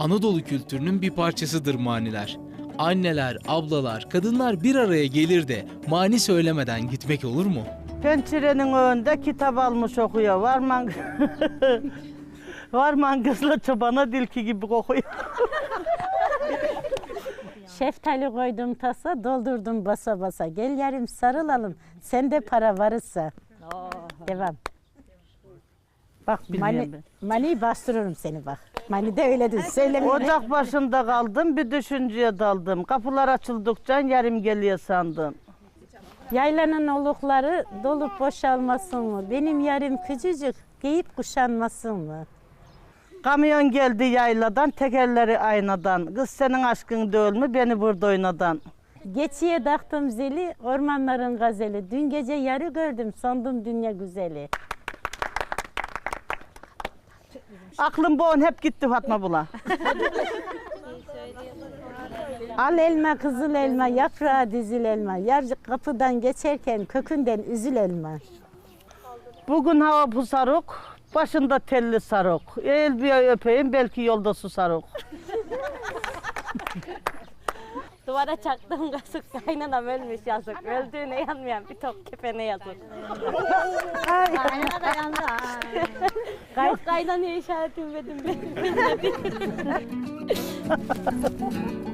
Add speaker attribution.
Speaker 1: Anadolu kültürünün bir parçasıdır maniler. Anneler, ablalar, kadınlar bir araya gelir de mani söylemeden gitmek olur mu?
Speaker 2: Pençerenin önünde kitap almış okuyor. Varman kızla çobana dilki gibi kokuyor.
Speaker 3: Şeftali koydum tasa, doldurdum basa basa. Gel yarım sarılalım, sende para varırsa. Devam. Bak maniyi bastırırım seni bak. Mani de öyledir, söyleme.
Speaker 2: Ocak başında kaldım, bir düşünceye daldım. Kapılar açıldıkça yarım geliyor sandım.
Speaker 3: Yaylanın olukları dolup boşalmasın mı? Benim yarım küçücük, giyip kuşanmasın mı?
Speaker 2: Kamyon geldi yayladan, tekerleri aynadan. Kız senin aşkın değil mi beni burada oynadan.
Speaker 3: Geçiye taktım zili, ormanların gazeli. Dün gece yarı gördüm, sandım dünya güzeli.
Speaker 2: Aklım boğun hep gitti Fatma Bula.
Speaker 3: Al elma, kızıl elma, yaprağı dizil elma. Yar kapıdan geçerken kökünden üzül elma.
Speaker 2: Bugün hava pusaruk, başında telli sarık. El bir öpeyim belki yolda susaruk.
Speaker 4: Duvara çaktığım kasık kaynanam ölmüş yazık. Öldüğüne yanmayan bir top kefene yazık. Kaynana da yandı ha. Yok kaynanaya işaret etmedim ben.